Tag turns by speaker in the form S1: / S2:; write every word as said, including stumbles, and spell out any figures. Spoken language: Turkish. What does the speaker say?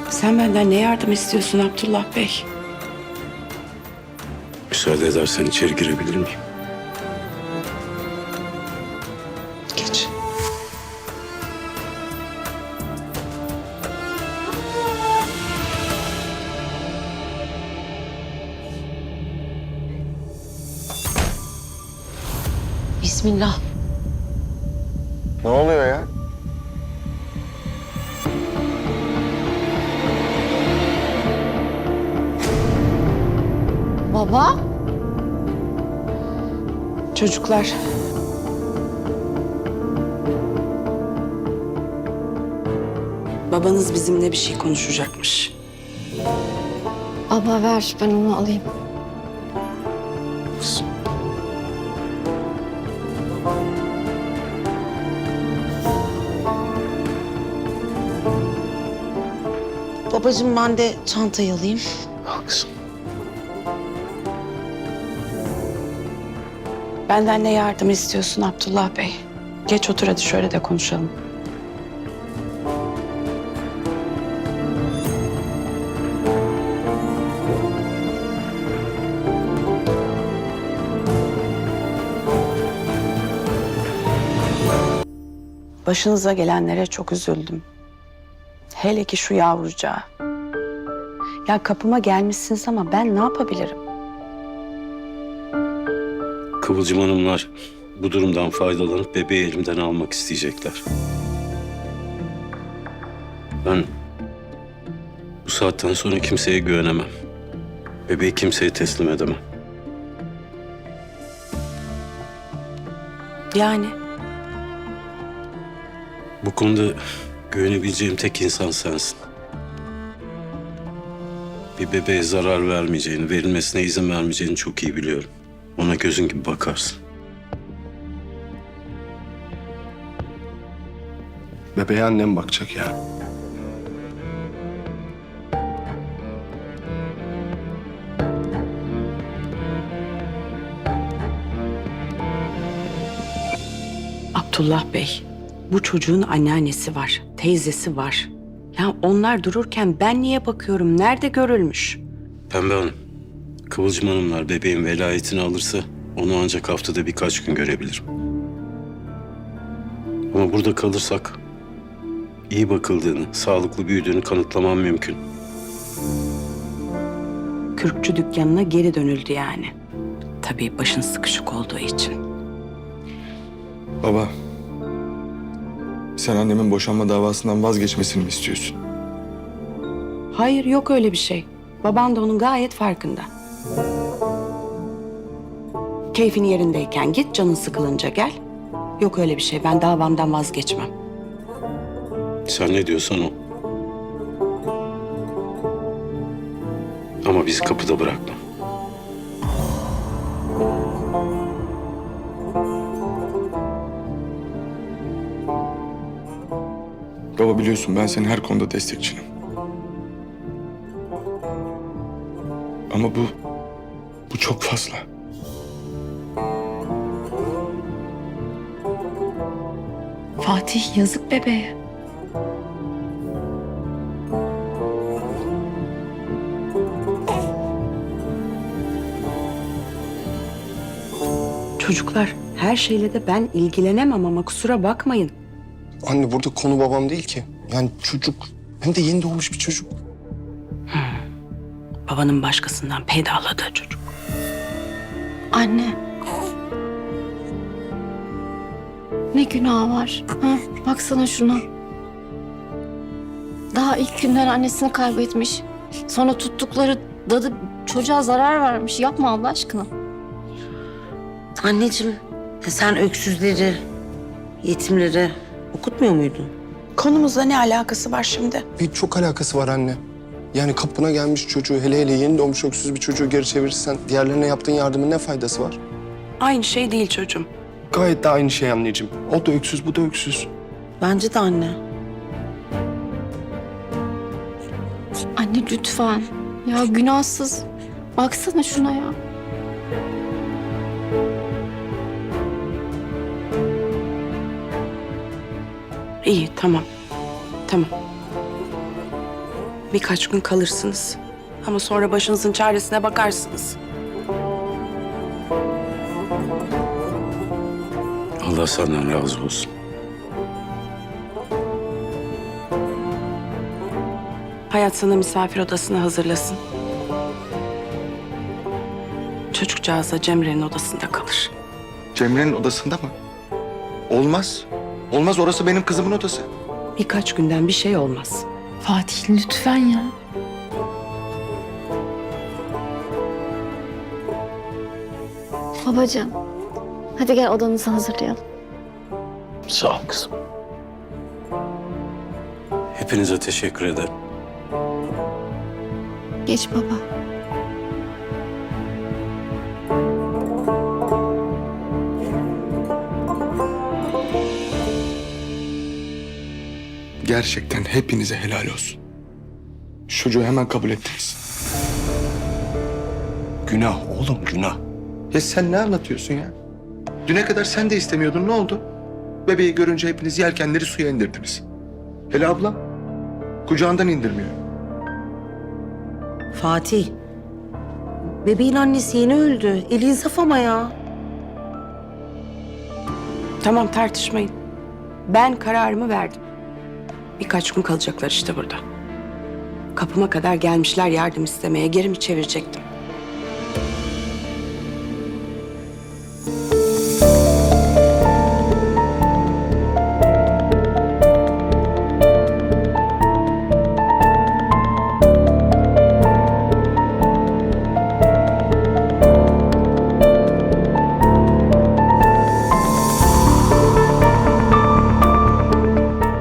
S1: Sen benden ne yardım istiyorsun Abdullah Bey?
S2: Müsaade edersen içeri girebilir miyim?
S1: Geç.
S3: Bismillah.
S4: Ne oluyor ya?
S3: Baba?
S1: Çocuklar. Babanız bizimle bir şey konuşacakmış.
S3: Abla ver, ben onu alayım.
S5: Babacığım ben de çantayı alayım.
S2: Al kızım.
S1: Benden ne yardım istiyorsun Abdullah Bey? Geç otur hadi şöyle de konuşalım. Başınıza gelenlere çok üzüldüm. Hele ki şu yavrucağa. Ya kapıma gelmişsiniz ama ben ne yapabilirim?
S2: Kıvılcım Hanımlar bu durumdan faydalanıp bebeği elimden almak isteyecekler. Ben bu saatten sonra kimseye güvenemem. Bebeği kimseye teslim edemem.
S1: Yani
S2: Bu konuda güvenebileceğim tek insan sensin. Bir bebeğe zarar vermeyeceğini, verilmesine izin vermeyeceğini çok iyi biliyorum. Ona gözün gibi bakarsın.
S4: Bebeğe annem bakacak ya.
S1: Abdullah Bey, bu çocuğun anneannesi var, teyzesi var. Ya onlar dururken ben niye bakıyorum? Nerede görülmüş?
S2: Pembe Hanım, Kıvılcım Hanımlar bebeğin velayetini alırsa onu ancak haftada birkaç gün görebilirim. Ama burada kalırsak iyi bakıldığını, sağlıklı büyüdüğünü kanıtlamam mümkün.
S1: Kürkçü dükkanına geri dönüldü yani. Tabii başın sıkışık olduğu için.
S6: Baba, sen annemin boşanma davasından vazgeçmesini mi istiyorsun?
S1: Hayır, yok öyle bir şey. Baban da onun gayet farkında. Keyfin yerindeyken git, canın sıkılınca gel. Yok öyle bir şey, ben davamdan vazgeçmem.
S2: Sen ne diyorsan o. Ama bizi kapıda bırakma.
S6: Baba biliyorsun ben senin her konuda destekçinim. Ama bu, bu çok fazla.
S3: Fatih yazık bebeğe.
S1: Çocuklar, her şeyle de ben ilgilenemem ama kusura bakmayın.
S4: Anne burada konu babam değil ki. Yani çocuk. Hem de yeni doğmuş bir çocuk.
S1: Babanın başkasından peydahladığı çocuk.
S3: Anne. Ne günah var? Ha? Baksana şuna. Daha ilk günden annesini kaybetmiş. Sonra tuttukları dadı çocuğa zarar vermiş. Yapma Allah aşkına.
S5: Anneciğim ya sen öksüzleri, yetimleri okutmuyor muydun?
S1: Konumuzla ne alakası var şimdi?
S4: Bir çok alakası var anne. Yani kapına gelmiş çocuğu, hele hele yeni doğmuş öksüz bir çocuğu geri çevirirsen diğerlerine yaptığın yardımın ne faydası var?
S1: Aynı şey değil çocuğum.
S4: Gayet de aynı şey anneciğim. O da öksüz, bu da öksüz.
S5: Bence de anne.
S3: Anne lütfen. Ya günahsız. Baksana şuna ya.
S1: İyi, tamam. Tamam. Birkaç gün kalırsınız. Ama sonra başınızın çaresine bakarsınız.
S2: Allah senden razı olsun.
S1: Hayat sana misafir odasını hazırlasın. Çocukcağız da Cemre'nin odasında kalır.
S6: Cemre'nin odasında mı? Olmaz. Olmaz, orası benim kızımın odası.
S1: Birkaç günden bir şey olmaz.
S7: Fatih lütfen ya.
S3: Babacığım, hadi gel odanızı hazırlayalım.
S2: Sağ ol kızım. Hepinize teşekkür ederim.
S3: Geç baba.
S6: Gerçekten hepinize helal olsun. Şu çocuğu hemen kabul ettiniz.
S4: Günah oğlum, günah.
S6: Ya sen ne anlatıyorsun ya? Düne kadar sen de istemiyordun, ne oldu? Bebeği görünce hepiniz yelkenleri suya indirdiniz. Hele ablam kucağından indirmiyor.
S5: Fatih, bebeğin annesi yeni öldü. El insaf ama ya.
S1: Tamam, tartışmayın. Ben kararımı verdim. Birkaç gün kalacaklar işte burada. Kapıma kadar gelmişler yardım istemeye. Geri mi çevirecektim?